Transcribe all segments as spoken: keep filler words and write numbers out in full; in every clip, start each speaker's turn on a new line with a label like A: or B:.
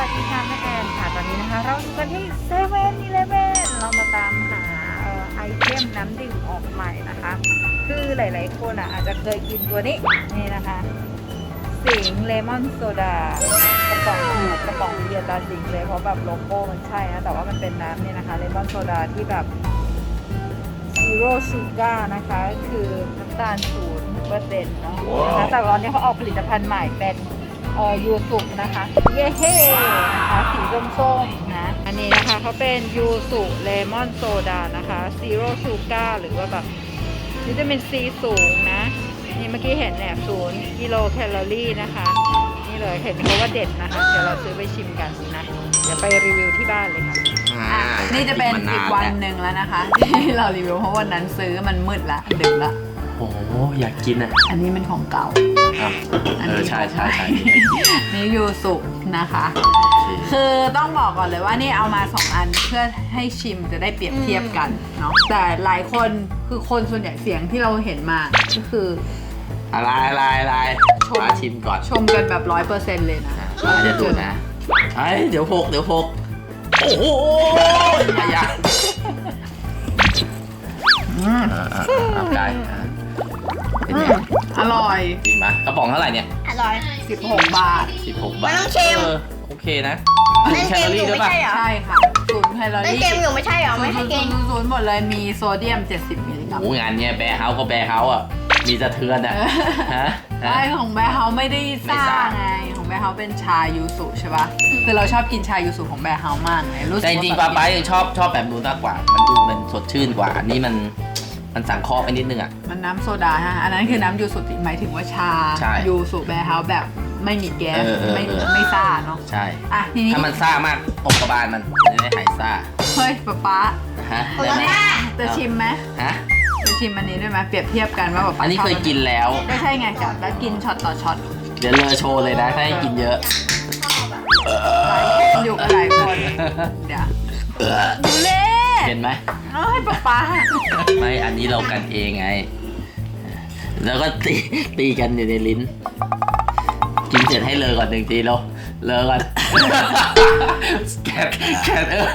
A: ดีค่ะแม่แอนค่ะตอนนี้นะคะเราอยู่กันที่เซเว่นอีเลฟเว่นเรามาตามหาไอเทมน้ำดื่มออกใหม่นะคะคือหลายๆคนอ่ะอาจจะเคยกินตัวนี้นี่นะคะสิงเลมอนโซดากระป๋องกระป๋องเบียร์ตาสิงเลยเพราะแบบโลโก้มันใช่นะแต่ว่ามันเป็นน้ำเนี่ยนะคะเลมอนโซดาที่แบบซีโร่ชูการ์นะคะคือน้ำตาลศูนย์เปอร์เซ็นต์เนาะนะคะแต่ตอนนี้เขาออกผลิตภัณฑ์ใหม่เป็นเอ่อยูสุนะคะเย้เฮ้นะคะสีส้มๆนะอันนี้นะคะเขาเป็นยูสุเลมอนโซดานะคะซีโร่ชูการ์หรือว่าแบบวิตามินซีสูงนะนี่เมื่อกี้เห็นเนี่ยศูนย์กิโลแคลอรี่นะคะนี่เลยเห็นเขาว่าเด็ดนะคะเดี๋ยวเราซื้อไปชิมกันนะเดี๋ยวไปรีวิวที่บ้านเลยค่ะนี่จะเป็นอีกวันหนึ่งแล้วนะคะที่เรารีวิวเพราะวันนั้นซื้อมันมืดละดึกละ
B: โอ้โหอยากกินอ่ะ
A: อันนี้เป็นของเก่า
B: เออใช่ใช่ใช่
A: นี่ยูสุนะคะคือต้องบอกก่อนเลยว่านี่เอามาสองอันเพื่อให้ชิมจะได้เปรียบเทียบกันเนาะแต่หลายคนคือคนส่วนใหญ่เสียงที่เราเห็นมาก็คือ
B: อะไรอะไรอะไรมาชิมก่อน
A: ชมกันแบบร้อยเปอร์เซ็นต์เลยนะ
B: มาจะดูนะไอ้เดี๋ยวหกเดี๋ยวหกโอ้โหอย่าอืมเอาไก่เป็นไง
A: อร่อย
B: ดีไหมกระป๋องเท่าไหร่เนี่ย
C: อร่อย
A: สิบหกบาท
B: สิบหกบาท
C: ไม่ต้องเค็ม
B: โอเคนะ
C: ไม่เค็มอยู่ไม่ใช่เหรอ
A: ใช่ค่ะศูนย์แคลอรี่
C: ไม่เค็มอยู่ไม่ใช่เหรอไม่ให้เค็ม
A: ศูนย์หมดเลยมีโซเดียมเจ็ดสิบมิลลิกรัม
B: โอ้งานเนี้ยแบร์เฮาส์ก็แบร์เฮาส์อ่ะมีสะเทือนอ่ะฮะ
A: ใช่ของแบร์เฮาส์ไม่ได้ซ่าไงของแบร์เฮาส์เป็นชายูสุใช่ป่ะคือเราชอบกินชายูสุของแบร์เฮาส์มากเลยรู้สึก
B: แต่จริงๆป้าป้าชอบชอบแบบนู้นมากกว่ามันดูมันสดชื่นกว่าอันนี้มันมันสังเคราะห์ไปนิดนึงอ่ะ
A: มันน้ำโซดาฮะอันนั้นคือน้ำยูสุหมายถึงว่าชายูสุแบร์เฮาส์แบบไม่มีแก๊สไม่ไม่ซ่าเนาะ
B: ใช่
A: อ่ะทีนี้
B: ถ้ามันซ่ามากตกกระบาลมันจะได้หายซ่า
A: เฮ้ยป๊าป๊า
B: ฮะ
A: จะชิมไหม
B: ฮะ
A: จะชิมอันนี้ด้วยไหมเปรียบเทียบกันว่าแบบ
B: อันนี้เคยกินแล้ว
A: ไม่ใช่ไงจับแล้วกินช็อตต่อช็อต
B: เดี๋ยวเลอโชว์เลยนะถ้าให้กินเยอะ
A: อยู่กับหลายคนเดี๋ยวดูเล่
B: เห็นไหม
A: เอ้ยป๊าป๊า
B: ไม่อันนี้เรากันเองไงแล้วก็ตีตีกันอยู่ในลิ้นกินเสร็จให้เลอก่อนหนึ่งทีเราเลอก่อนแกนแกนเออ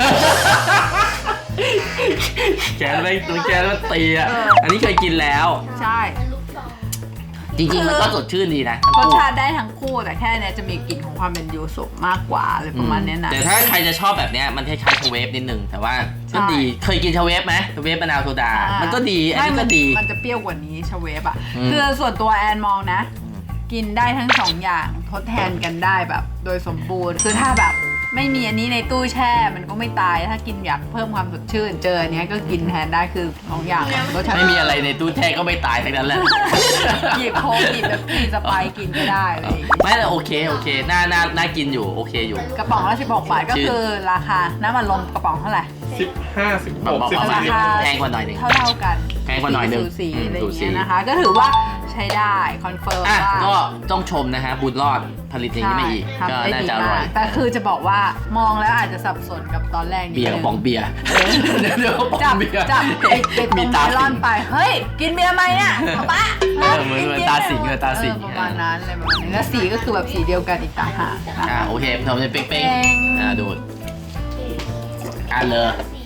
B: แกนไม่ตัวแกนมันตีอ่ะอันนี้เคยกินแล้ว
A: ใช่
B: จริงๆมันก็สดชื่นดีนะ
A: รสชาติได้ทั้งคู่แต่แค่เนี้ยจะมีกลิ่นของความเป็นยูสุมากกว่าอะไรประมาณนี้นะ
B: แต่ถ้าใครจะชอบแบบเนี้ยมันคล้ายๆชเวฟนิดนึงแต่ว่าก็ดีเคยกินชเวฟไหมชเวฟมะนาวโซดามันก็ดีอันนี้ก็ดี
A: มันจะเปรี้ยวกว่านี้ชเวฟอ่ะคือส่วนตัวแอนมองนะกินได้ทั้งสองอย่างทดแทนกันได้แบบโดยสมบูรณ์คือถ้าแบบไม่มีอันนี้ในตู้แช่มันก็ไม่ตายถ้ากินอยากเพิ่มความสดชื่นเจออันนี้ก็กินแทนได้คือสองอย่างรสชาติ
B: ไม่มีอะไรในตู้แช่ก็ไม่ตายทั้งนั้นแหละ
A: หยิบโค้กหยิบแบบกินสไปกินก็ได้เลย
B: ไม่แต่โอเคโอเคน่าน่าน่ากินอยู่โอเคอยู่
A: กระป๋องละสิบหกบาทก็คือราคาน้ำมันลมกระป๋องเท่าไหร่
D: สิบห้าสิบหกสิบ
A: ราคา
B: แพงกว่าหน่อยนึง
A: เท่าเท่ากัน
B: แพงกว่าหน่อยนึง
A: สูสีอะไรอย่างเงี้ยนะคะก็ถือว่าใช้ได้คอนเฟิร์มว่า
B: ก็ต้องชมนะฮะบุญรอดผลิตอย่างนี้ไม่อีกก็น่าจะอร่อย
A: แต่คือจะบอกว่ามองแล้วอาจจะสับสนกับตอนแรกนิดนึง
B: เบียร์ปองเบียร์
A: จับจับไอ้ตรงเมลอนไปเฮ้ยกินเบียร์ไหมเนี่ยป๊า
B: เหมือนเหมือนตาสิงเหมือนตาสิง
A: ประมาณนั้นเลยประมาณนี้แล้วสีก็คือแบบสีเดียวกันอีกต่างหาก
B: อ่าโอเคทำจะเป๊งๆอ่าดูอ่าเลย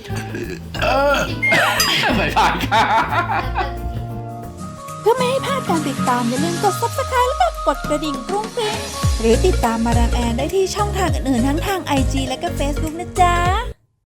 B: ไม่ผ่านค่ะ
E: เพื่อไม่ให้พลาดการติดตามอย่าลืมกด ซับสไครบ์ แล้วก็กดกระดิ่งกรุ้งกริ้งหรือติดตามมาดามแอนได้ที่ช่องทางอื่นๆทั้งทาง ไอ จี และก็ เฟซบุ๊ก นะจ๊ะ